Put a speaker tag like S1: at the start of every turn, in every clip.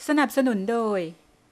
S1: สนับสนุนโดย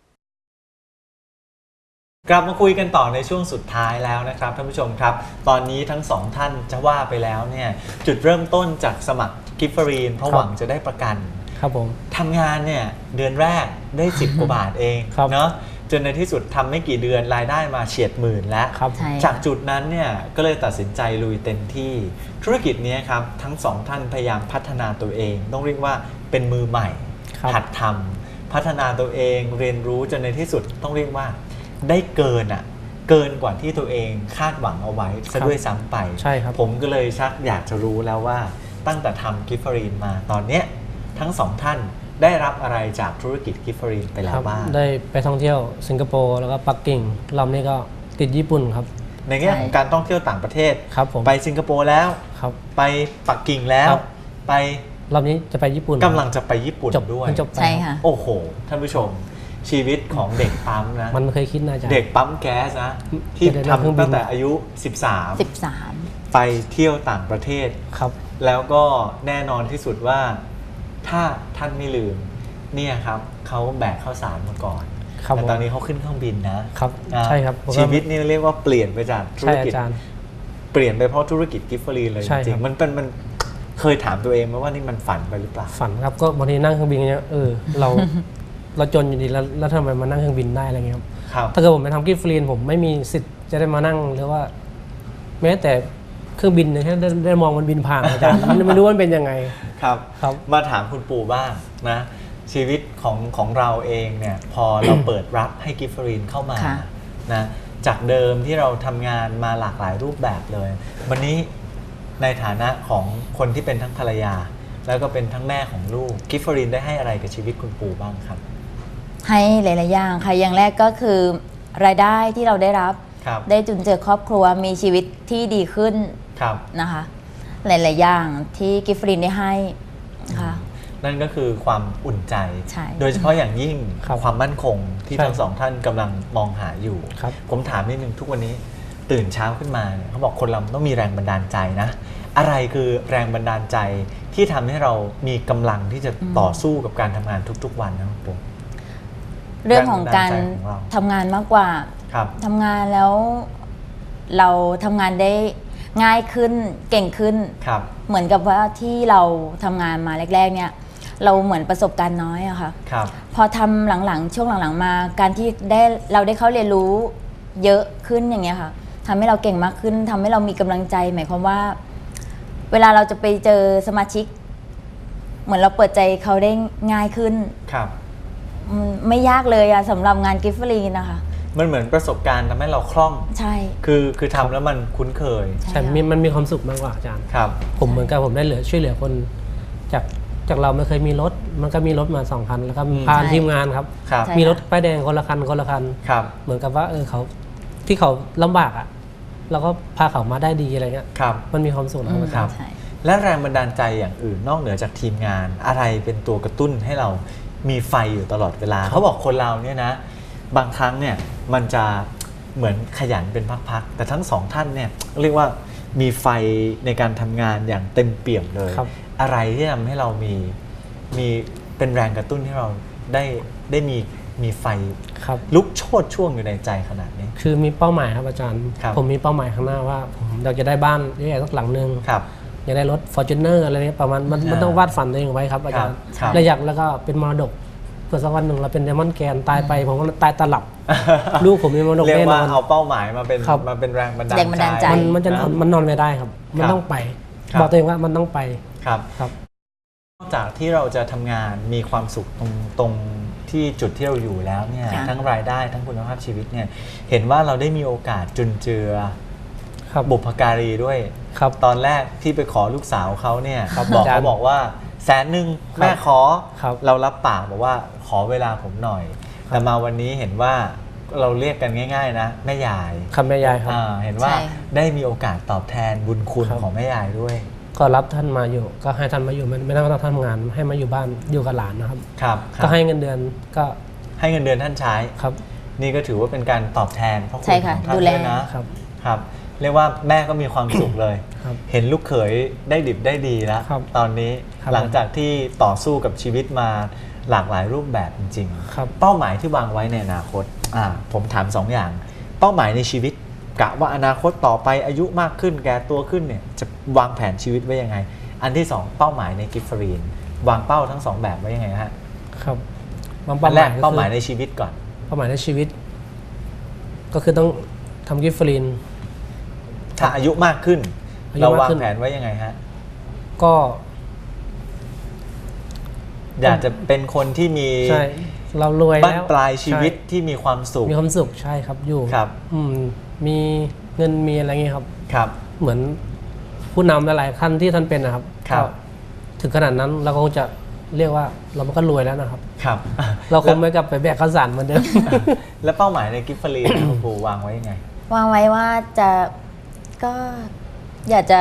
S2: กลับมาคุยกันต่อในช่วงสุดท้ายแล้วนะครับท่านผู้ชมครับตอนนี้ทั้งสองท่านจะว่าไปแล้วเนี่ยจุดเริ่มต้นจากสมัครกิฟเฟอรีนเพราะหวังจะได้ประกัน
S3: ครับผม
S2: ทำงานเนี่ยเดือนแรกได้10 กว่าบาทเองเนาะจนในที่สุดทำไม่กี่เดือนรายได้มาเฉียดหมื่นแล้วจากจุดนั้นเนี่ยก็เลยตัดสินใจลุยเต็มที่ธุรกิจนี้ครับทั้งสองท่านพยายามพัฒนาตัวเองต้องเรียกว่าเป็นมือใหม่หัดทำพัฒนาตัวเองเรียนรู้จนในที่สุดต้องเรียกว่าได้เกินกว่าที่ตัวเองคาดหวังเอาไว้ซะด้วยซ้ำไป
S3: ใช่ครับ
S2: ผมก็เลยชักอยากจะรู้แล้วว่าตั้งแต่ทำกิฟเฟอรีนมาตอนเนี้ยทั้งสองท่านได้รับอะไรจากธุรกิจกิฟเฟอรีนไปแล้วบ้าง
S3: ได้ไปท่องเที่ยวสิงคโปร์แล้วก็ปักกิ่งรอบนี้ก็ติดญี่ปุ่นครับ
S2: ในแง่ของการท่องเที่ยวต่างประเทศ
S3: ครับผม
S2: ไปสิงคโปร์แล้วไปปักกิ่งแล้วไป
S3: รอบนี้จะไปญี่ปุ่น
S2: กำลังจะไปญี่ปุ่นด้วย
S4: ใช่ค่ะ
S2: โอ้โหท่านผู้ชมชีวิตของเด็กปั๊มนะ
S3: มันเคยคิดนะจ๊ะ
S2: เด็กปั๊มแก๊สนะที่ทำตั้งแต่อายุ13ไปเที่ยวต่างประเทศ
S3: ครับ
S2: แล้วก็แน่นอนที่สุดว่าถ้าท่านไม่ลืมเนี่ยครับเขาแบกข้าวสารมาก่อนแต่ตอนนี้เขาขึ้นเครื่องบินนะครับ
S3: ใช่ครับ
S2: ชีวิตนี่เรียกว่าเปลี่ยนไปจากธุรกิจเปลี่ยนไปเพราะธุรกิจกิฟเฟอรีนเลยจริงๆมันเคยถามตัวเองไหมว่านี่มันฝันไปหรือเปล่า
S3: ฝันครับก็บางทีนั่งเครื่องบินเนี้ยเราจนอยู่ดีแล้วทำไมมานั่งเครื่องบินได้อะไรเงี้ยครับถ้าเกิดผมไปทำกิฟต์ฟรีผมไม่มีสิทธิ์จะได้มานั่งหรือว่าแม้แต่เครื่องบินเนี่ยได้มองมันบินผ่านอาจารย์ไม่รู้ว่ามันเป็นยังไง
S2: ครับมาถามคุณปู่บ้างนะชีวิตของเราเองเนี่ยพอเราเปิดรับให้กิฟต์ฟรีเข้ามานะจากเดิมที่เราทำงานมาหลากหลายรูปแบบเลยวันนี้ในฐานะของคนที่เป็นทั้งภรรยาแล้วก็เป็นทั้งแม่ของลูกกิฟต์ฟรีได้ให้อะไรกับชีวิตคุณปู่บ้างครับ
S4: ให้หลายๆอย่างค่ะอย่างแรกก็คือรายได้ที่เราได้รับได้จุนเจือครอบครัวมีชีวิตที่ดีขึ้นนะคะหลายๆอย่างที่กิฟฟรีนได้ให้ค่ะ
S2: นั่นก็คือความอุ่นใจโดยเฉพาะอย่างยิ่งความมั่นคงที่ทั้งสองท่านกำลังมองหาอยู่ผมถามนิดนึงทุกวันนี้ตื่นเช้าขึ้นมาเขาบอกคนเราต้องมีแรงบันดาลใจนะอะไรคือแรงบันดาลใจที่ทำให้เรามีกำลังที่จะต่อสู้กับการทำงานทุกๆวันนะครับผม
S4: เรื่องของการทำงานมากกว่าทำงานแล้วเราทำงานได้ง่ายขึ้นเก่งขึ้นเหมือนกับว่าที่เราทำงานมาแรกๆเนี่ยเราเหมือนประสบการณ์น้อยอะค่ะพอทำหลังๆช่วงหลังๆมาการที่เราได้เข้าเรียนรู้เยอะขึ้นอย่างเงี้ยค่ะทำให้เราเก่งมากขึ้นทำให้เรามีกำลังใจหมายความว่าเวลาเราจะไปเจอสมาชิกเหมือนเราเปิดใจเขาได้ง่ายขึ้นไม่ยากเลยอะสำหรับงานกิฟต์ฟรีนะคะ
S2: มันเหมือนประสบการณ์ทำให้เราคล่อง
S4: ใช่
S2: คือทำแล้วมันคุ้นเคย
S3: ใช่มันมีความสุขมากกว่าอาจารย์ผมเหมือนกับผมได้ช่วยเหลือคนจากเราไม่เคยมีรถมันก็มีรถมา2 คันแล้วก็พาทีมงานครับมีรถป้ายแดงคนละคันเหมือนกับว่าเขาที่เขาลำบากอะเราก็พาเขามาได้ดีอะไรเงี้ยมันมีความสุขนะครับ
S2: และแรงบันดาลใจอย่างอื่นนอกเหนือจากทีมงานอะไรเป็นตัวกระตุ้นให้เรามีไฟอยู่ตลอดเวลาเขาบอกคนเราเนี่ยนะบางครั้งเนี่ยมันจะเหมือนขยันเป็นพักๆแต่ทั้งสองท่านเนี่ยเรียกว่ามีไฟในการทำงานอย่างเต็มเปี่ยมเลยอะไรที่ทำให้เรามีเป็นแรงกระตุ้นให้เราได้มีไฟลุกโชติช่วงอยู่ในใจขนาดนี้
S3: คือมีเป้าหมายครับอาจารย์ผมมีเป้าหมายข้างหน้าว่าผมอยากจะได้บ้านใหญ่สักหลังนึงอยากได้รถ Fortuner อะไรนี้ประมาณมันต้องวาดฝันตัวเองไว้ครับอาจารย์แล้วก็เป็นมรดกเพื่อสักวันหนึ่งเราเป็นไดมอนด์แกนตายไปผมก็ตายตลับลูกผมมีมรดกแน่นอน
S2: เรียกว่าเอาเป้าหมายมาเป็นแรงบันดาลใจ
S3: มันนอนไม่ได้ครับมันต้องไปบอกตัวเองว่ามันต้องไป
S2: ครับนอกจากที่เราจะทำงานมีความสุขตรงที่จุดที่เราอยู่แล้วเนี่ยทั้งรายได้ทั้งคุณภาพชีวิตเนี่ยเห็นว่าเราได้มีโอกาสจุนเจือบุพการีด้วยตอนแรกที่ไปขอลูกสาวเขาเนี่ยเขาบอกว่า100,000แม่ขอเรารับปากบอกว่าขอเวลาผมหน่อยแต่มาวันนี้เห็นว่าเราเรียกกันง่ายๆนะแม่ยาย
S3: แม่ยายครับ
S2: เห็นว่าได้มีโอกาสตอบแทนบุญคุณของแม่ยายด้วย
S3: ก็รับท่านมาอยู่ก็ให้ท่านมาอยู่ไม่ต้องทำงานให้มาอยู่บ้านอยู่กับหลานนะครับก็ให้เงินเดือนก็
S2: ให้เงินเดือนท่านใช้นี่ก็ถือว่าเป็นการตอบแทนพระคุณของท่านด้วยนะครับเรียกว่าแม่ก็มีความสุขเลยเห็นลูกเขยได้ดิบได้ดีแล้วตอนนี้หลังจากที่ต่อสู้กับชีวิตมาหลากหลายรูปแบบจริง
S3: ครับ
S2: ๆเป้าหมายที่วางไว้ในอนาคตผมถาม2 อย่างเป้าหมายในชีวิตกะว่าอนาคตต่อไปอายุมากขึ้นแก่ตัวขึ้นเนี่ยจะวางแผนชีวิตไว้ยังไงอันที่2เป้าหมายในกิฟฟรีนวางเป้าทั้ง2แบบไว้ยังไงฮะ
S3: ครับ
S2: อันแรกเป้าหมายในชีวิตก่อน
S3: เป้าหมายในชีวิตก็คือต้องทำกิฟฟรีน
S2: ถ้าอายุมากขึ้นเราวางแผนไว้ยังไงฮะ
S3: ก็
S2: อยากจะเป็นคนที่มี
S3: ใช่เรารวยแล้ว
S2: บ้านปลายชีวิตที่มีความสุข
S3: ใช่ครับอยู่
S2: ครับ
S3: มีเงินมีอะไรเงี้ยครับ
S2: ครับ
S3: เหมือนผู้นำหลายๆท่านที่ท่านเป็นนะครับถึงขนาดนั้นเราคงจะเรียกว่าเราก็รวยแล้วนะครับ
S2: ครับ
S3: เราคงไม่กลับไปแบกข้าวสารเหมือนเดิม
S2: แล้วเป้าหมายในกิฟฟรีนคุณครูวางไว้ยังไง
S4: วางไว้ว่าก็อยากจะ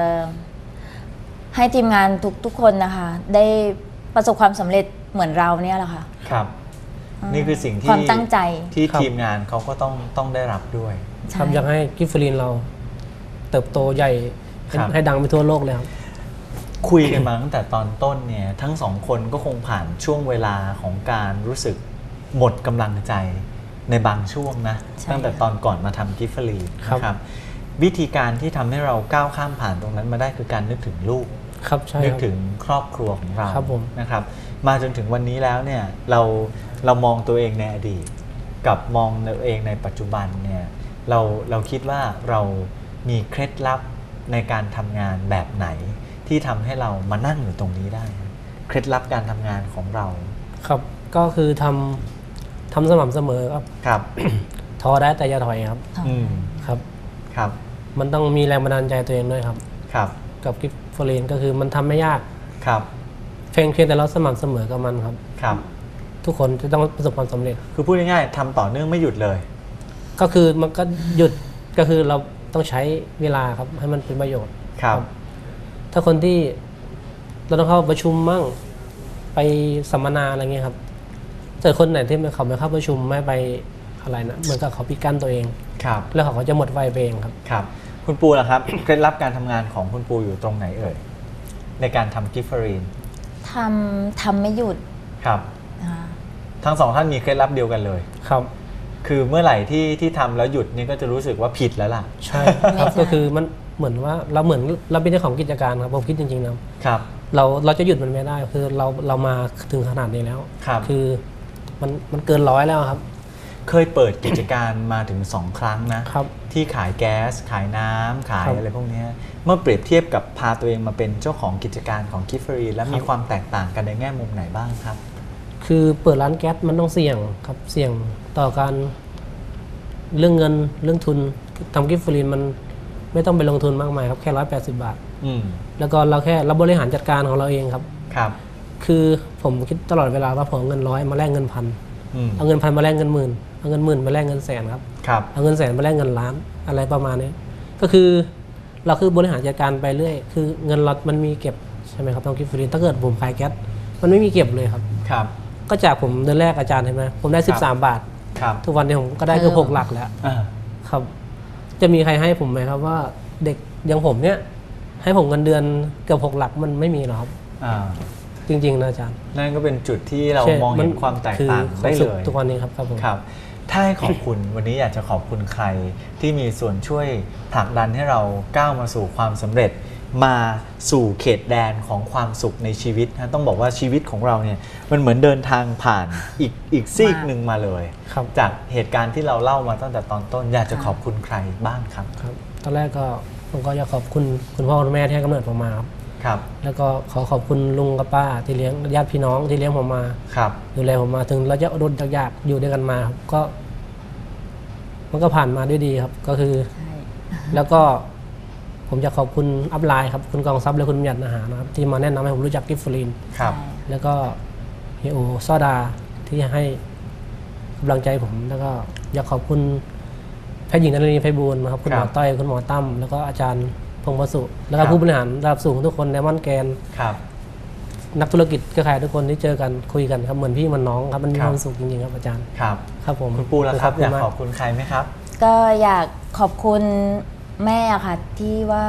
S4: ให้ทีมงานทุกคนนะคะได้ประสบความสำเร็จเหมือนเราเนี่ยแหละค่ะ
S2: ครับนี่คือสิ่งที่
S4: ความตั้งใจ
S2: ที่ทีมงานเขาก็ต้องได้รับด้วย
S3: ครับอยากให้กิฟฟรีนเราเติบโตใหญ่ให้ดังไปทั่วโลกเลยครับ
S2: คุยกันมาตั้งแต่ตอนต้นเนี่ยทั้ง2 คนก็คงผ่านช่วงเวลาของการรู้สึกหมดกำลังใจในบางช่วงนะตั้งแต่ตอนก่อนมาทำกิฟฟรีนนะครับวิธีการที่ทำให้เราก้าวข้ามผ่านตรงนั้นมาได้คือการนึกถึงลูกนึกถึงครอบครัวของเรานะครับมาจนถึงวันนี้แล้วเนี่ยเรามองตัวเองในอดีตกับมองตัวเองในปัจจุบันเนี่ยเราคิดว่าเรามีเคล็ดลับในการทำงานแบบไหนที่ทำให้เรามานั่งอยู่ตรงนี้ได้เคล็ดลับการทำงานของเรา
S3: ครับก็คือทำสม่ำเสมอครับ ท้อได้แต่อย่าถอยครับครับมันต้องมีแรงบันดาลใจตัวเองด้วยครับกับกิฟฟรีนก็คือมันทำไม่ยากเพียงแต่เราสม่ำเสมอกับมันครับทุกคนจะต้องประสบความสำเร็จ
S2: คือพูดง่ายๆทำต่อเนื่องไม่หยุดเลย
S3: ก็คือมันก็หยุดก็คือเราต้องใช้เวลาครับให้มันเป็นประโยชน์
S2: ครับ
S3: ถ้าคนที่เราต้องเข้าประชุมมั่งไปสัมมนาอะไรเงี้ยครับแต่คนไหนที่เขาไม่เข้าประชุมไม่ไปอะไรนะเหมือนกับเขาปิดกั้นตัวเองแล้วเขาก็จะหมดไฟไปเอง
S2: ครับคุณปูล่ะครับเคล็ดลับการทำงานของคุณปูอยู่ตรงไหนเอ่ยในการทำกิฟฟรีน
S4: ทำไม่หยุด
S2: ครับทั้ง2 ท่านมีเคล็ดลับเดียวกันเลย
S3: ครับ
S2: คือเมื่อไหร่ที่ทำแล้วหยุดนี่ก็จะรู้สึกว่าผิดแล้วล่ะ
S3: ใช่ครับก็คือมันเหมือนว่าเราเป็นเจ้าของกิจการครับผมคิดจริงๆนะครับเราจะหยุดมันไม่ได้คือเรามาถึงขนาดนี้แล้วคือมันเกิน100แล้วครับ
S2: เคยเปิดกิจการมาถึง2 ครั้งนะที่ขายแก๊สขายน้ำขายอะไรพวกนี้เมื่อเปรียบเทียบกับพาตัวเองมาเป็นเจ้าของกิจการของกิฟฟรีแล้วมีความแตกต่างกันในแง่มุมไหนบ้างครับ
S3: คือเปิดร้านแก๊สมันต้องเสี่ยงครับเสี่ยงต่อการเรื่องเงินเรื่องทุนทำกิฟฟรีมันไม่ต้องไปลงทุนมากมายครับแค่180 บาทแล้วก็เราบริหารจัดการของเราเองครับคือผมคิดตลอดเวลาว่าผมเงิน100มาแลกเงิน1,000เอาเงิน1,000มาแลกเงิน10,000เอาเงิน10,000มาแลกเงิน100,000ครับเอาเงิน100,000มาแลกเงินล้านอะไรประมาณนี้ก็คือเราคือบริหารจัดการไปเรื่อยคือเงินเรามันมีเก็บใช่ไหมครับทำกิฟฟรีถ้าเกิดผมขายแก๊สมันไม่มีเก็บเลยครับก็จากผมเดือนแรกอาจารย์เห็นไหมผมได้13 บาททุกวันนี้ผมก็ได้เกือบ6 หลักแล้วครับจะมีใครให้ผมไหมครับว่าเด็กอย่างผมเนี่ยให้ผมเงินเดือนเกือบ6 หลักมันไม่มีหรอกครับจริงๆนะอาจารย์
S2: นั่นก็เป็นจุดที่เรามองเห็นความแตกต่างได้เลย
S3: ทุกวันนี้ครับผม
S2: ครับถ้าให้ขอบคุณวันนี้อยากจะขอบคุณใครที่มีส่วนช่วยผลักดันให้เราก้าวมาสู่ความสำเร็จมาสู่เขตแดนของความสุขในชีวิตนะต้องบอกว่าชีวิตของเราเนี่ยมันเหมือนเดินทางผ่านอีกซีกหนึ่งมาเลยจากเหตุการณ์ที่เราเล่ามาตั้งแต่ตอนต้นอยากจะขอบคุณใครบ้างครับ
S3: ตอนแรกก็ผมก็อยากขอบคุณคุณพ่อคุณแม่ที่ให้กำเนิดผมมาครับแล้วก็ขอบคุณลุงกับป้าที่เลี้ยงญาติพี่น้องที่เลี้ยงผมมาดูแลผมมาถึงเราจะอดทนยากอยู่ด้วยกันมาครับก็มันก็ผ่านมาด้วยดีครับก็คือแล้วก็ผมจะขอบคุณอัพไลน์ครับคุณกองทรัพย์และคุณบัญญัติอาหารนะครับที่มาแนะนำให้ผมรู้จักกิฟฟรีนแล้วก็เฮียโอซอดาที่ให้กำลังใจผมแล้วก็อยากขอบคุณแพทย์หญิงนฤนีไพบูลย์นะครับคุณหมอต้อยคุณหมอตั้มแล้วก็อาจารย์พงศ์วสุแล้วก็ผู้บริหารระดับสูงทุกคนในม่อนแกนนักธุรกิจเครือข่ายทุกคนที่เจอกันคุยกันครับเหมือนพี่มันน้องครับมันมีความสุขจริงๆครับอาจารย์ครับผม
S2: คุณปูล่ะครับอยากขอบคุณใครไหมครับ
S4: ก็อยากขอบคุณแม่ค่ะที่ว่า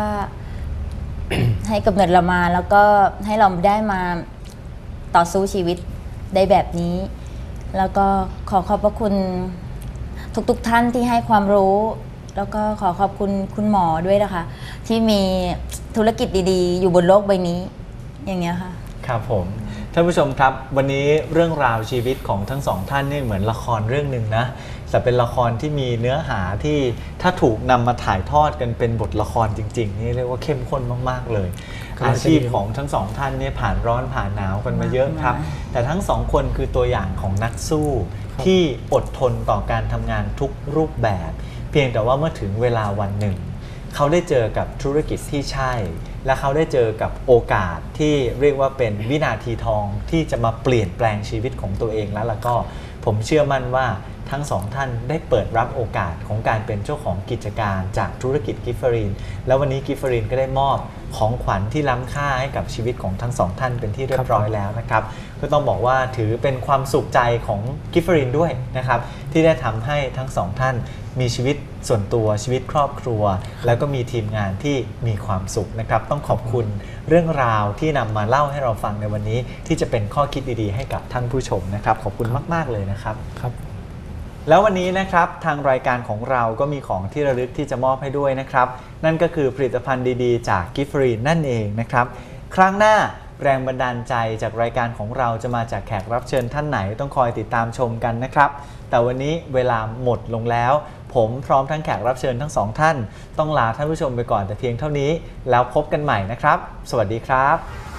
S4: ให้กำเนิดเรามาแล้วก็ให้เราได้มาต่อสู้ชีวิตได้แบบนี้ แล้วก็ขอขอบพระคุณทุกท่านที่ให้ความรู้ แล้วก็ขอขอบคุณคุณหมอด้วยนะคะที่มีธุรกิจดีๆอยู่บนโลกใบนี้อย่างเงี้ยค่ะ
S2: ครับผมท่านผู้ชมครับวันนี้เรื่องราวชีวิตของทั้งสองท่านนี่เหมือนละครเรื่องหนึ่งนะแต่เป็นละครที่มีเนื้อหาที่ถ้าถูกนำมาถ่ายทอดกันเป็นบทละครจริงๆนี่เรียกว่าเข้มข้นมากๆเลยอาชีพของทั้งสองท่านเนี่ยผ่านร้อนผ่านหนาวกันมาเยอะครับแต่ทั้งสองคนคือตัวอย่างของนักสู้ที่อดทนต่อการทำงานทุกรูปแบบเพียงแต่ว่าเมื่อถึงเวลาวันหนึ่งเขาได้เจอกับธุรกิจที่ใช่และเขาได้เจอกับโอกาสที่เรียกว่าเป็นวินาทีทองที่จะมาเปลี่ยนแปลงชีวิตของตัวเองแล้วก็ผมเชื่อมั่นว่าทั้งสองท่านได้เปิดรับโอกาสของการเป็นเจ้าของกิจการจากธุรกิจกิฟเฟอรีนแล้ววันนี้กิฟเฟอรีนก็ได้มอบของขวัญที่ล้ำค่าให้กับชีวิตของทั้งสองท่านเป็นที่เรียบร้อยแล้วนะครับก็ต้องบอกว่าถือเป็นความสุขใจของกิฟเฟอรีนด้วยนะครับที่ได้ทำให้ทั้งสองท่านมีชีวิตส่วนตัวชีวิตครอบครัวแล้วก็มีทีมงานที่มีความสุขนะครับต้องขอบคุณเรื่องราวที่นำมาเล่าให้เราฟังในวันนี้ที่จะเป็นข้อคิดดีๆให้กับท่านผู้ชมนะครับขอบคุณมากๆเลยนะครับ
S3: ครับ
S2: แล้ววันนี้นะครับทางรายการของเราก็มีของที่ระลึกที่จะมอบให้ด้วยนะครับนั่นก็คือผลิตภัณฑ์ดีๆจากกิฟเฟอรีนนั่นเองนะครับครั้งหน้าแรงบันดาลใจจากรายการของเราจะมาจากแขกรับเชิญท่านไหนต้องคอยติดตามชมกันนะครับแต่วันนี้เวลาหมดลงแล้วผมพร้อมทั้งแขกรับเชิญทั้งสองท่านต้องลาท่านผู้ชมไปก่อนแต่เพียงเท่านี้แล้วพบกันใหม่นะครับสวัสดีครับ